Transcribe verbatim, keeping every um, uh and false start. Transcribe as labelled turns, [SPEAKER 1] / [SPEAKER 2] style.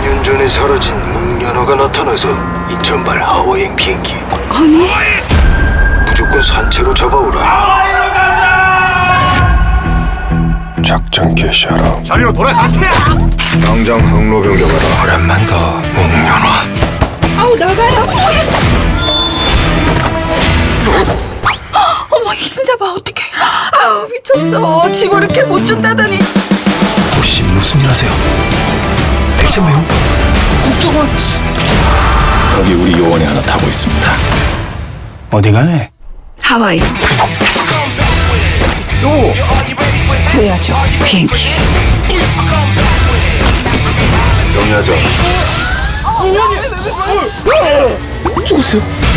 [SPEAKER 1] 년 전에 사라진 목련어가 나타나서 인천발 하워행 비행기.
[SPEAKER 2] 아니?
[SPEAKER 1] 무조건 산채로 잡아오라. 작전 개시하라.
[SPEAKER 3] 자리로 돌아가세요.
[SPEAKER 1] 당장 항로 변경하라. 오랜만이다. 목련화.
[SPEAKER 2] 아우 나가요. 어머 흰자 봐 어떡해. 아우 미쳤어. 집어 이렇게 못 준다더니.
[SPEAKER 1] 혹시 무슨 일 하세요? 액션 배우? 국정원.
[SPEAKER 3] 거기 우리 요원이 하나 타고 있습니다.
[SPEAKER 1] 어디 가네?
[SPEAKER 2] 하와이.
[SPEAKER 1] 또.
[SPEAKER 2] 구해야죠 비행기.
[SPEAKER 1] 정리하자.
[SPEAKER 3] 죽었어요.